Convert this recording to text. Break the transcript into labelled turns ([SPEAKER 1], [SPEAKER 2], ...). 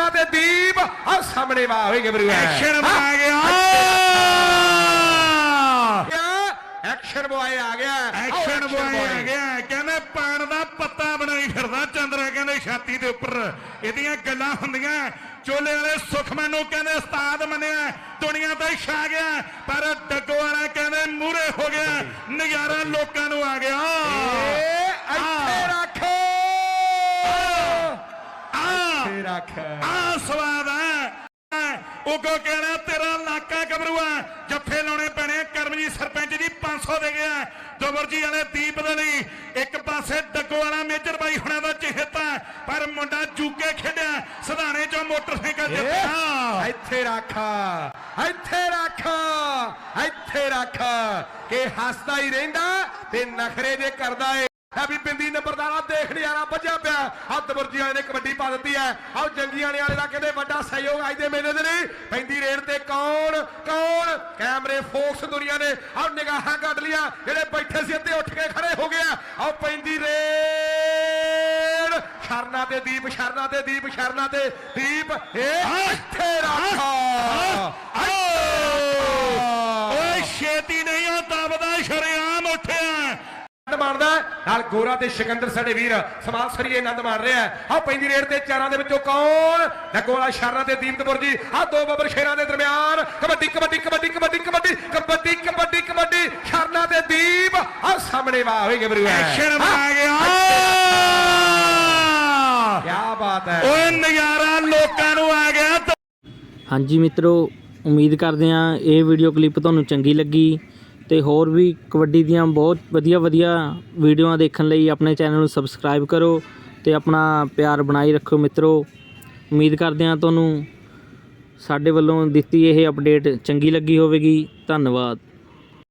[SPEAKER 1] शरना ते दीप और सामने वाह होई गबरू
[SPEAKER 2] एक्शन आ गया
[SPEAKER 1] एक्शन बॉय आ गया
[SPEAKER 2] एक्शन बॉय आ गया कहने पान दा पत्ता बनाई फिरदा चंद्रा कहने छाती दे उपर इहदियां गल्लां हुंदियां चोले वाले सुख मैनू कहने उस्ताद मनिया दुनिया ते छा गया पर डग्गो वाला कहने मूहरे हो गया नजारा लोकां नू आ गया स्वाद है उगो कहना तेरा लाका गबरूआ जफे लाने पैने करमजीत सरपंच जी 500 दे गया दुबरजी वाले दीप दे लई एक पासे डग्गो वाला मेजर बाई हुणां दा चहेता पर मुंडा चूके खेडिया सधाने चों मोटरसाइकिल जित्तिया
[SPEAKER 1] ਇੱਥੇ ਰੱਖ ਕਿ ਹੱਸਦਾ ਹੀ ਰਹਿੰਦਾ ਤੇ ਨਖਰੇ ਜੇ ਕਰਦਾ ਏ भी पिंदी नंबरदारा देख नजारा बजा पिया दबुरजी वाले ने कबड्डी पा दी है आओ जंगियां वाले का कहते बड़ा सहयोग अज के मेले नहीं पैंदी रेड से कौन कैमरे फोक्स दुनिया ने आओ निगाह कट लिया जेडे बैठे से अद्धे उठ के खड़े हो गया आओ पैंदी रेड शरना ते दीप
[SPEAKER 2] छेती नहीं दबदा शरेआम उठिया
[SPEAKER 1] मानदा नाल गोरा ते सिकंदर साडे वीर समाल सरीए आनंद मान रहा है आ पैंदी रेड ते चारां दे विचों कौन नगोला शरना ते दीपतपुर जी आ दो बबर शेरां दे दरमियान कबड्डी शरना ते दीप आ सामने वाह होई गबरू
[SPEAKER 2] एक्शन आ गया
[SPEAKER 1] क्या बात है
[SPEAKER 2] ओए नजारा लोकां नू आ गया।
[SPEAKER 3] हाँ जी मित्रों उम्मीद करते हैं ये वीडियो क्लिप तुहानूं चंगी लगी तो होर भी कबड्डी दियां बहुत वधिया वीडियो देखने लई अपने चैनल नूं सबसक्राइब करो तो अपना प्यार बनाई रखो मित्रों। उम्मीद करते हैं तुहानूं साडे वल्लों दित्ती यह अपडेट चंगी लगी होवेगी। धन्नवाद।